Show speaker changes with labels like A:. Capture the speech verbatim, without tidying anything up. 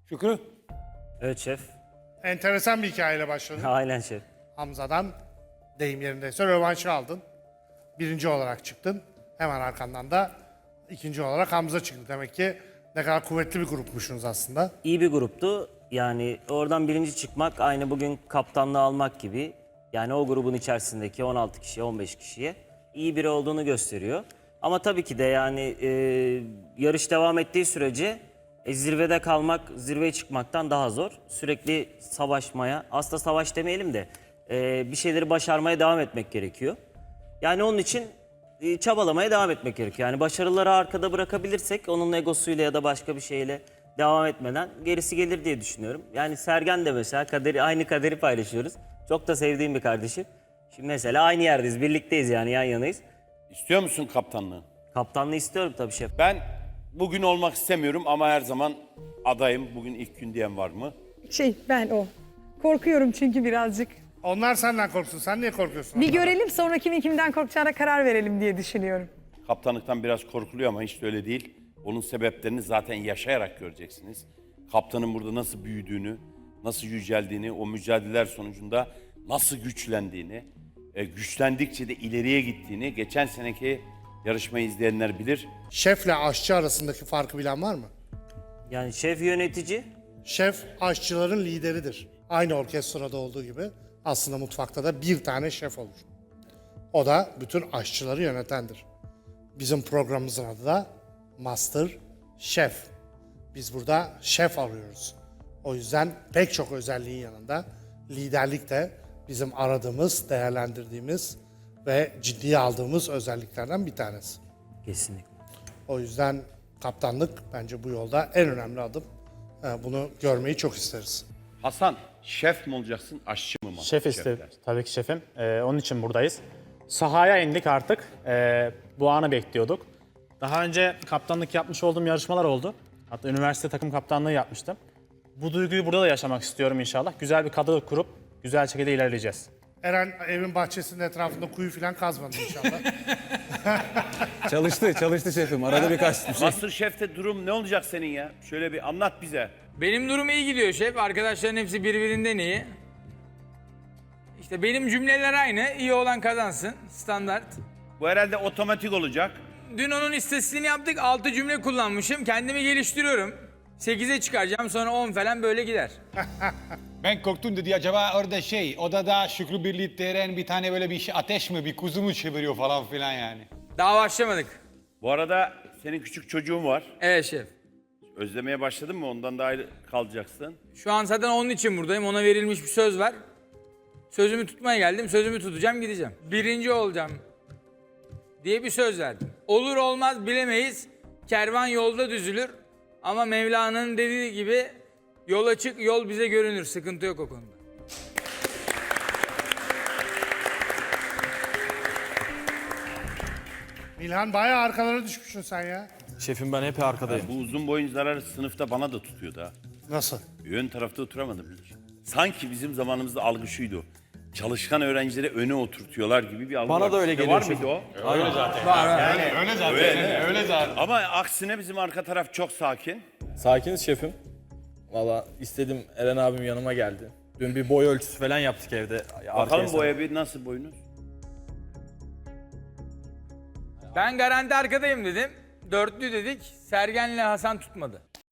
A: Şükrü?
B: Evet şef.
C: Enteresan bir hikayeyle başladın.
B: Aynen şef.
C: Hamza'dan deyim yerindeyse rövanşı aldın. Birinci olarak çıktın. Hemen arkandan da ikinci olarak Hamza çıktı. Demek ki ne kadar kuvvetli bir grupmuşsunuz aslında.
B: İyi bir gruptu. Yani oradan birinci çıkmak aynı bugün kaptanlığı almak gibi. Yani o grubun içerisindeki on altı kişiye, on beş kişiye iyi biri olduğunu gösteriyor. Ama tabii ki de yani e, yarış devam ettiği sürece e, zirvede kalmak, zirveye çıkmaktan daha zor. Sürekli savaşmaya, aslında savaş demeyelim de e, bir şeyleri başarmaya devam etmek gerekiyor. Yani onun için e, çabalamaya devam etmek gerekiyor. Yani başarıları arkada bırakabilirsek onun egosuyla ya da başka bir şeyle devam etmeden gerisi gelir diye düşünüyorum. Yani Sergen de mesela kaderi, aynı kaderi paylaşıyoruz. Çok da sevdiğim bir kardeşim. Şimdi mesela aynı yerdeyiz, birlikteyiz yani yan yanayız.
A: İstiyor musun kaptanlığı?
B: Kaptanlığı istiyorum tabii şef.
A: Ben bugün olmak istemiyorum ama her zaman adayım. Bugün ilk gün diyen var mı?
D: Şey ben o. Korkuyorum çünkü birazcık.
C: Onlar senden korksun. Sen niye korkuyorsun?
D: Bir
C: onlardan?
D: görelim sonra kimin kimden korkacağına karar verelim diye düşünüyorum.
A: Kaptanlıktan biraz korkuluyor ama hiç de öyle değil. Onun sebeplerini zaten yaşayarak göreceksiniz. Kaptanın burada nasıl büyüdüğünü, nasıl yüceldiğini, o mücadeleler sonucunda nasıl güçlendiğini, e, güçlendikçe de ileriye gittiğini geçen seneki yarışmayı izleyenler bilir.
C: Şefle aşçı arasındaki farkı bilen var mı?
B: Yani şef yönetici,
C: Şef aşçıların lideridir. Aynı orkestrada olduğu gibi aslında mutfakta da bir tane şef olur. O da bütün aşçıları yönetendir. Bizim programımızın adı da Master Chef. Biz burada şef arıyoruz. O yüzden pek çok özelliğin yanında liderlik de bizim aradığımız, değerlendirdiğimiz ve ciddiye aldığımız özelliklerden bir tanesi.
B: kesinlikle.
C: O yüzden kaptanlık bence bu yolda en önemli adım. Ee, Bunu görmeyi çok isteriz.
A: Hasan, şef mi olacaksın, aşçı mı?
E: Şef istedim.
A: Şefler.
E: Tabii ki şefim. Ee, onun için buradayız. Sahaya indik artık. Ee, bu anı bekliyorduk. Daha önce kaptanlık yapmış olduğum yarışmalar oldu. Hatta üniversite takım kaptanlığı yapmıştım. Bu duyguyu burada da yaşamak istiyorum inşallah. Güzel bir kadro kurup güzel şekilde ilerleyeceğiz.
C: Eren evin bahçesinin etrafında kuyu falan kazmadı inşallah.
F: Çalıştı, çalıştı şefim. Arada birkaç bir şey.
A: Master Chef'te durum ne olacak senin ya? Şöyle bir anlat bize.
G: Benim durum iyi gidiyor şef. Arkadaşların hepsi birbirinden iyi. İşte benim cümleler aynı. İyi olan kazansın. Standart.
A: Bu herhalde otomatik olacak.
G: Dün onun istatistiğini yaptık. altı cümle kullanmışım. Kendimi geliştiriyorum. sekize çıkaracağım sonra on falan böyle gider.
H: Ben korktum dedi acaba orada şey odada Şükrü Birliği Eren bir tane böyle bir şey ateş mi bir kuzu mu çeviriyor falan filan yani.
G: Daha başlamadık.
A: Bu arada senin küçük çocuğun var.
G: Evet şef.
A: Özlemeye başladın mı? Ondan da ayrı kalacaksın.
G: Şu an zaten onun için buradayım. Ona verilmiş bir söz var. Sözümü tutmaya geldim. Sözümü tutacağım gideceğim. Birinci olacağım diye bir söz verdim. Olur olmaz bilemeyiz. Kervan yolda düzülür. Ama Mevlana'nın dediği gibi yola çık yol bize görünür. Sıkıntı yok o konuda.
C: Milhan bayağı arkalara düşmüşsün sen ya.
F: Şefim ben hep arkadayım.
A: Bu uzun boyuncular sınıfta bana da tutuyordu ha.
C: Nasıl?
A: Ön tarafta oturamadım hiç. Sanki bizim zamanımızda algı şuydu. Çalışkan öğrencileri öne oturtuyorlar gibi bir algı
F: Bana
A: var.
F: da öyle
A: Sizde
F: geliyor
A: Var mıydı o?
H: Öyle zaten öyle zaten.
A: Ama aksine bizim arka taraf çok sakin.
F: Sakiniz şefim. Valla istedim, Eren abim yanıma geldi. Dün bir boy ölçüsü falan yaptık evde.
A: Bakalım
F: Arkaya
A: boya bir nasıl boyunuz?
G: Ben garanti arkadayım dedim. Dörtlü dedik. Sergen'le Hasan tutmadı.